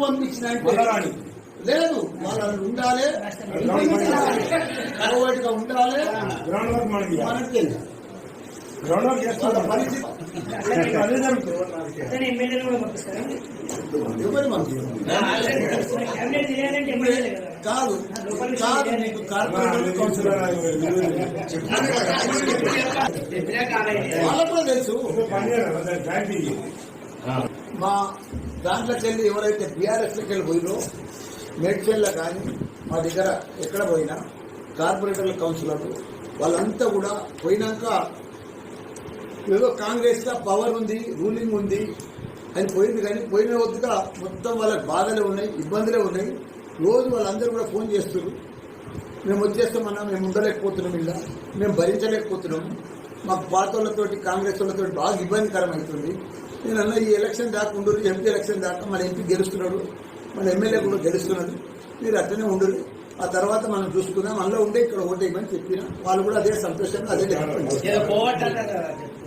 పంపించిన లేదు, వాళ్ళు ఉండాలి, గా ఉండాలి, మనకి కాదు కాదు నీకు కార్పొరేటర్ కౌన్సిలర్ వాళ్ళకు కూడా తెలుసు. మా దాంట్లోకి వెళ్ళి ఎవరైతే బీఆర్ఎస్లోకి వెళ్ళి పోయినో మేడ్చల్లో కానీ మా దగ్గర ఎక్కడ పోయినా కార్పొరేటర్ల కౌన్సిలర్లు వాళ్ళంతా కూడా పోయినాక ఏదో కాంగ్రెస్లో పవర్ ఉంది, రూలింగ్ ఉంది అని పోయింది. కానీ పోయిన వద్దుగా మొత్తం వాళ్ళకి బాధలే ఉన్నాయి, ఇబ్బందులే ఉన్నాయి. రోజు వాళ్ళందరూ కూడా ఫోన్ చేస్తారు, మేము వచ్చేస్తామన్నా, మేము ఉండలేకపోతున్నాం, ఇలా మేము భరించలేకపోతున్నాము, మాకు పాత వాళ్ళతోటి కాంగ్రెస్ వాళ్ళతో బాగా ఇబ్బందికరం అవుతుంది. నేను అన్న ఈ ఎలక్షన్ దాకా ఉండరు, ఎంపీ ఎలక్షన్ దాకా మన ఎంపీ గెలుస్తున్నాడు, మన ఎమ్మెల్యే కూడా గెలుస్తున్నాడు, మీరు అట్లనే ఉండరు, ఆ తర్వాత మనం చూసుకుందాం, అందులో ఉండే ఇక్కడ ఓటేయమని చెప్పిన వాళ్ళు కూడా అదే సంతోషంగా అదే